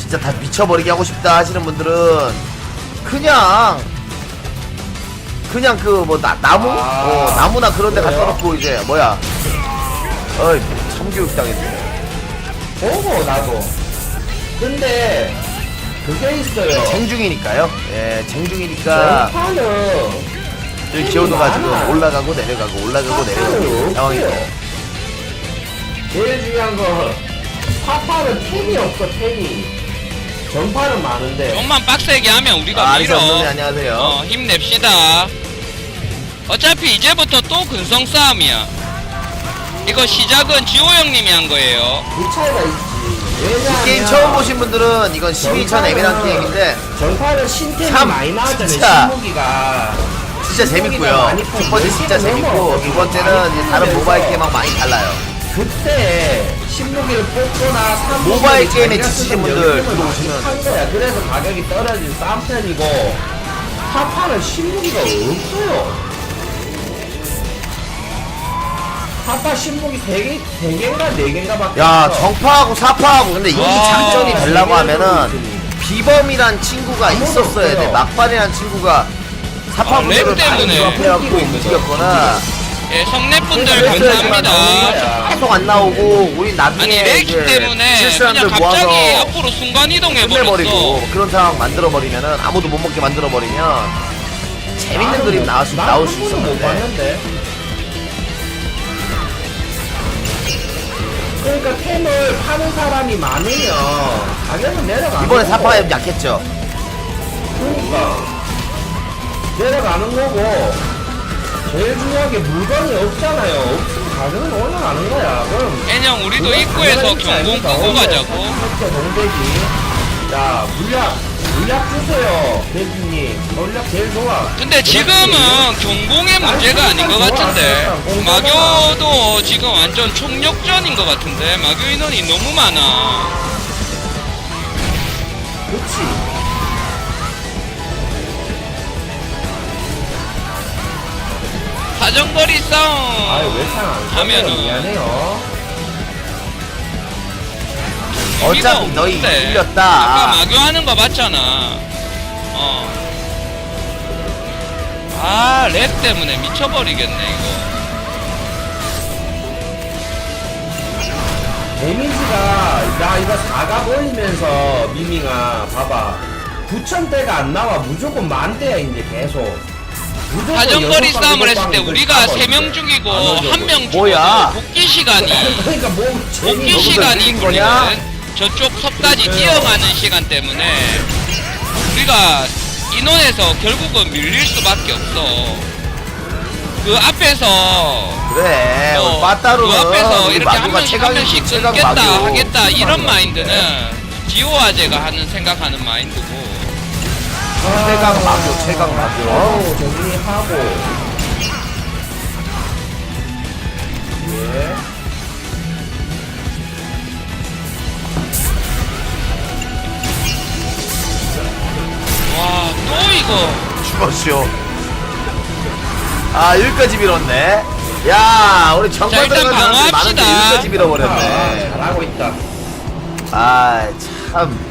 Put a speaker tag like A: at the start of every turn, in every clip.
A: 진짜 다 미쳐버리게 하고 싶다 하시는 분들은 그냥 그 뭐 나무? 나무나 그런 데 갖다 놓고 이제 뭐야 어이 참교육 당했네.
B: 나도. 근데 그게 있어요.
A: 쟁중이니까요. 예, 쟁중이니까
B: 전파는
A: 여기 기어도가 지금 올라가고 내려가고 올라가고 내려가고 상황이고.
B: 제일 중요한 건 파파는 템이 없어. 템이. 전파는 많은데.
C: 좀만 빡세게 하면 우리가
A: 아리사
C: 밀어.
A: 언니 안녕하세요.
C: 힘냅시다. 어차피 이제부터 또 근성 싸움이야. 이거 시작은 지호 형님이 한 거예요.
B: 그 차이가 있지. 왜냐하면
A: 이 게임 처음 보신 분들은 이건 12천 에메랄드 게임인데
B: 전파는 신템이
A: 참
B: 많이 나왔잖아요.
A: 진짜
B: 신무기가.
A: 진짜 재밌고요. 첫 번째 진짜 재밌고 두 번째는 이제 다른 모바일 게임하고 많이 달라요.
B: 그때 신무기를 뽑거나
A: 모바일 게임에 지치신 분들 들어오시면
B: 한 거야. 그래서 가격이 떨어진 싼 편이고 파파는 신무기가 없어요. 파파 신무기 3개인가 4개인가 밖에
A: 야
B: 없어.
A: 정파하고 사파하고 근데 이
C: 와.
A: 장점이 되려고 하면은
B: 네
A: 비범이란 친구가
B: 아무도
A: 있었어야 돼.
B: 없어요.
A: 막반이란 친구가 사파분들을
C: 랩
A: 많이
C: 때문에
A: 조합해갖고 움직였거나
C: 예, 성내분들
A: 그랬어야지만
C: 감사합니다.
A: 계속 안 나오고 우리 나중에
C: 아니 렉이
A: 이제
C: 때문에
A: 실수람들
C: 그냥
A: 모아서
C: 갑자기 앞으로 순간 이동해
A: 끝내버리고
C: 버렸어.
A: 그런 상황 만들어버리면은 아무도 못 먹게 만들어버리면 재밌는 그림 나올 수
B: 못
A: 있었는데
B: 봤는데. 그러니까 템을 파는 사람이 많으면 가격은 내려가는
A: 이번에
B: 거고.
A: 사파가 약했죠.
B: 그러니까 내려가는 거고 제일 중요한 게 물건이 없잖아요. 없으면 가격은 올라가는 거야. 그럼
C: 애녕 우리도 입구에서 경공 끄고 가자고.
B: 동대기. 자 물약 주세요. 대기님 물약 제일 좋아.
C: 근데 지금은 경공의 문제가 아닌 것 같은데 마교도 지금 완전 총력전인 것 같은데 마교 인원이 너무 많아.
B: 그치.
C: 사정거리 싸움
B: 아유 왜창안
C: 하면은
B: 미안해요.
A: 어차피 너희
C: 아까
A: 이겼다.
C: 마교 하는 거 봤잖아. 아, 랩 때문에 미쳐버리겠네 이거.
B: 데미지가 나 이거 4가 보이면서 미밍아 봐봐 9,000대가 안 나와. 무조건 만대야 이제 계속. 무조건
C: 사정거리
B: 여섯 방,
C: 싸움을
B: 일곱
C: 했을 때
B: 방
C: 우리가
B: 이거
C: 3명 죽이고
B: 안 오죠,
C: 1명
A: 뭐야?
C: 죽어도 복귀 시간이
B: 그러니까 뭐
C: 복귀
A: 너희들
C: 시간이
A: 밀린 거냐?
C: 걸리는 저쪽 섭까지 뛰어가는 시간 때문에 우리가 인원에서 결국은 밀릴 수밖에 없어. 그 앞에서
A: 그래.
C: 그
A: 빠따로는
C: 앞에서 이렇게 한
A: 마교가
C: 명씩 한 명씩
A: 최강
C: 끊겠다
A: 마교.
C: 하겠다 이런 마인드는 지오아제가 하는 생각하는 마인드고.
A: 최강 마교, 최강 마교.
B: 어우 정리하고 예.
C: 와, 또 이거
A: 죽었쇼. 아, 여기까지 밀었네. 야, 우리 정말
C: 일단
A: 들어간 사람들이 많은데
C: 방어합시다.
A: 여기까지 밀어버렸네.
B: 잘하고 있다.
A: 아, 참.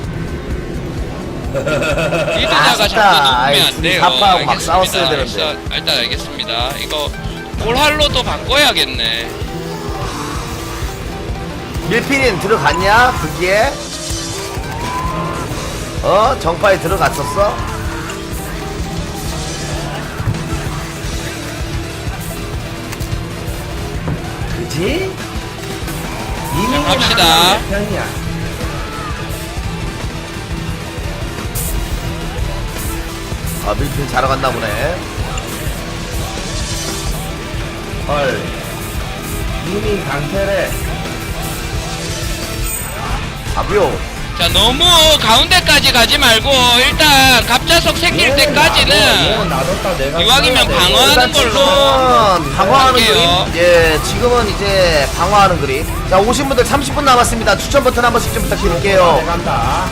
C: 리드자가
A: 아쉽다.
C: 자꾸
A: 아이,
C: 녹으면 안 돼요.
A: 사파하고 막
C: 알겠습니다.
A: 싸웠어야 되는데.
C: 일단 알겠습니다. 이거 볼할로도 바꿔야겠네.
A: 밀피린 들어갔냐? 그게? 정파에 들어갔었어?
B: 그지?
C: 자, 갑시다.
B: 편이야.
A: 아, 밀피린 자러 갔나 보네.
B: 헐. 이미 강태래.
A: 아부요.
C: 자, 너무 가운데까지 가지 말고 일단 갑자석 생길 때까지는
B: 놔뒀다 내가
C: 이왕이면
B: 써야 돼.
C: 방어하는 걸로
A: 방어하는
C: 할게요.
A: 그림. 예, 지금은 이제 방어하는 그림. 자, 오신 분들 30분 남았습니다. 추천 버튼 한 번씩 좀 부탁드릴게요.
B: 간다.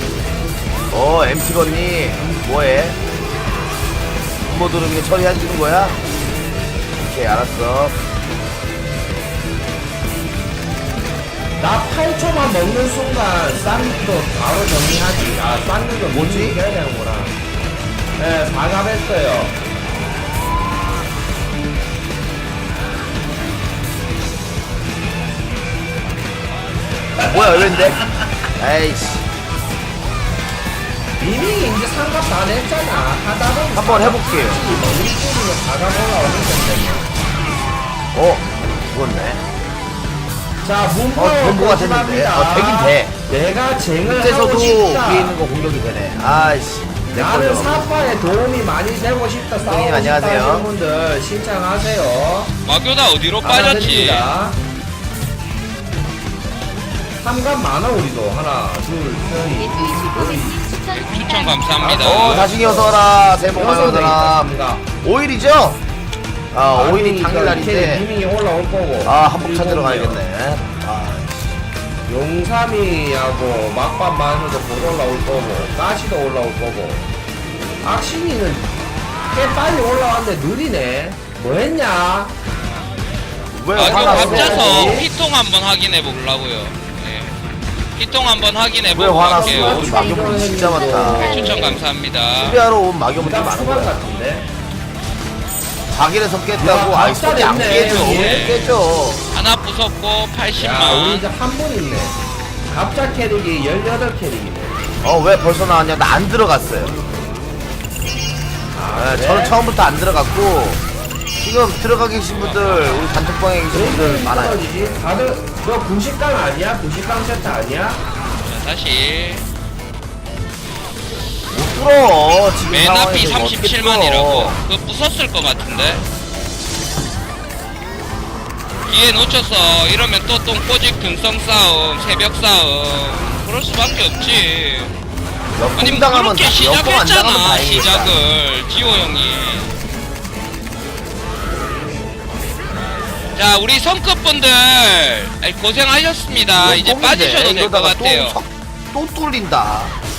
A: MT건니 뭐해? 부모 들으면 처리해주는 거야? 오케이, 알았어.
B: 나 8초만 먹는 순간 쌍도 바로 정리하지. 아, 쌍는 거
A: 뭐지?
B: 해야 되는구나. 네, 4갑 했어요.
A: 뭐야 왜인데? 에이씨
B: 이미 이제 3갑 다 냈잖아. 하다 보면
A: 한번 해볼게요.
B: 우리 팀이면 4갑 올라오는 건데.
A: 죽었네.
B: 자, 문보
A: 전부가 됐는데. 되긴 돼.
B: 내가 쟁을 하고
A: 밑에서도
B: 싶다.
A: 위에 있는 거 공격이 되네. 아이씨 내
B: 나는
A: 걸로.
B: 사파에 도움이 많이 되고 싶다. 싸우고
A: 형님,
B: 싶다
A: 안녕하세요.
B: 하시는 분들 신청하세요.
C: 마교다 어디로 빠졌지?
B: 3간 많아 우리도. 하나 둘셋
C: 추천 감사합니다.
A: 자식이 어서라. 새해 복 많이
B: 여섯 대
A: 받아라.
B: 있다.
A: 5일이죠? 5일이 당일날인데
B: 님이 올라올 거고.
A: 한복 찾으러 가야겠네.
B: 용삼이하고 막밥 마늘도 곧 올라올 거고. 가시도 올라올 거고. 악신이는 꽤 빨리 올라왔는데 느리네. 뭐 했냐?
A: 왜
C: 마교
A: 화났어?
C: 갑자서 피통 한번 확인해 보려고요. 네. 피통 한번 확인해
A: 왜
C: 보고
A: 화났어?
C: 갈게요.
A: 마교분 진짜 많다.
C: 추천 감사합니다.
A: 수비하러 온 마교분들
B: 딱
A: 많은
B: 수반
A: 거야.
B: 같은데.
A: 자기네서 깼다고.
B: 야,
A: 아이 소리 안
B: 박살냈네,
A: 깨져.
B: 여기.
A: 왜 깨져?
C: 하나 부쉈고
B: 야, 우리
C: 80만.
B: 이제 한 분 있네. 갑자 캐릭이 18캐릭이네.
A: 왜 벌써 나왔냐? 나 안 들어갔어요.
B: 그래?
A: 저는 처음부터 안 들어갔고 지금 들어가 계신 분들 우리 단톡방에 계신 분들 많아요.
B: 떨어지지? 다들 너 90강 아니야? 90강 세트 아니야?
C: 자, 다시.
A: 못 뚫어. 지금
C: 맨 앞이
A: 상황에서 어떻게
C: 37만이라고. 그거 부쉈을 것 같은데. 기회 놓쳤어. 이러면 또 똥꼬집 근성 싸움, 새벽 싸움. 그럴 수밖에 없지. 아니 뭐
A: 역공당하면
C: 그렇게
A: 역공 안 당하면
C: 시작했잖아.
A: 다행이겠다.
C: 시작을 지호 형이. 자 우리 성급분들 고생하셨습니다. 이제
A: 역공인데
C: 빠지셔도 될 것
A: 이러다가
C: 같아요.
A: 또 뚫린다.